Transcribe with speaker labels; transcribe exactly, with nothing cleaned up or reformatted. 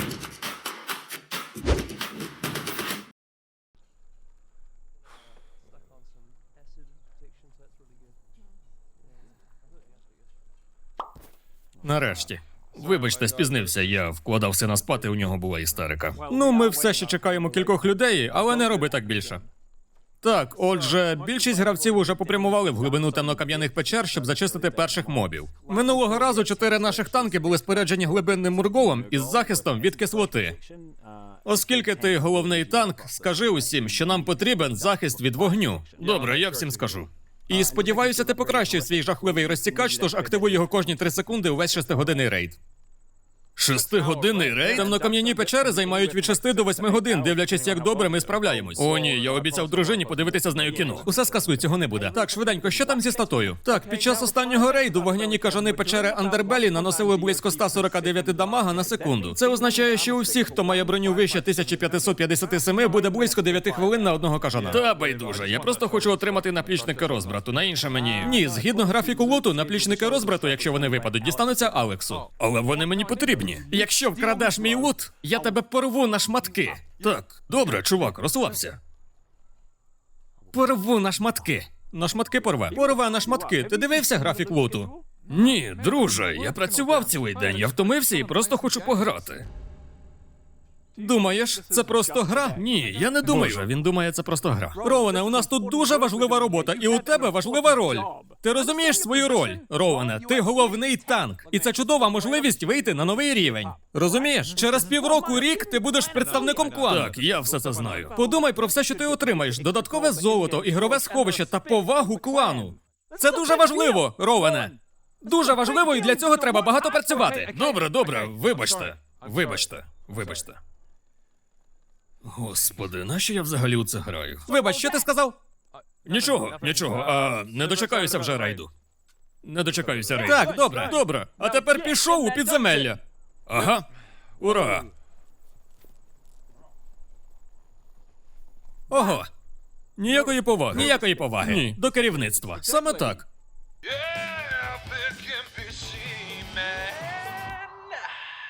Speaker 1: Нарешті. Вибачте, спізнився, я вкладався на спати, у нього була істерика. Ну, ми все ще чекаємо кількох людей, але не роби так більше. Так, отже, більшість гравців уже попрямували в глибину темнокам'яних печер, щоб зачистити перших мобів. Минулого разу чотири наших танки були споряджені глибинним мурголом із захистом від кислоти. Оскільки ти головний танк, скажи усім, що нам потрібен захист від вогню. Добре, я всім скажу. І сподіваюся, ти покращив свій жахливий розтікач, тож активуй його кожні три секунди увесь шестигодинний рейд. Шестигодинний рейд? Темнокам'яні печери займають від шести до восьми годин, дивлячись, як добре ми справляємось. О, ні, я обіцяв дружині подивитися з нею кіно. Усе скасуй, цього не буде. Так, швиденько, що там зі статою? Так, під час останнього рейду вогняні кажани печери Андербелі наносили близько ста сорока дев'яти дамага на секунду. Це означає, що у всіх, хто має броню вище тисяча п'ятсот п'ятдесят сім, буде близько дев'яти хвилин на одного кажана. Та байдуже, я просто хочу отримати наплічники розбрату, на інше мені... Ні, згідно графіку луту, наплічники розбрату, якщо вони випадуть, дістануться Алексу. Але вони мені потрібні. Якщо вкрадеш мій лут, я тебе порву на шматки. Так, добре, чувак, розслабся. Порву на шматки. На шматки порве. Порве на шматки. Ти дивився графік луту? Ні, друже, я працював цілий день, я втомився і просто хочу пограти. Думаєш, це просто гра? Ні, я не думаю. Боже, він думає, це просто гра. Роуене, у нас тут дуже важлива робота, і у тебе важлива роль. Ти розумієш свою роль? Роуене, ти головний танк. І це чудова можливість вийти на новий рівень. Розумієш? Через півроку, рік ти будеш представником клану. Так, я все це знаю. Подумай про все, що ти отримаєш. Додаткове золото, ігрове сховище та повагу клану. Це дуже важливо, Роуене. Дуже важливо, і для цього треба багато працювати. Добре, добре, вибачте. Вибачте, вибачте. Господи, нащо я взагалі у це граю? Вибач, що ти сказав? Нічого, нічого, а не дочекаюся вже рейду. Не дочекаюся рейду. Так, добре, добре. А тепер пішов у підземелля. Ага, ура. Ого. Ніякої поваги. Ніякої поваги. Ні. До керівництва. Саме так.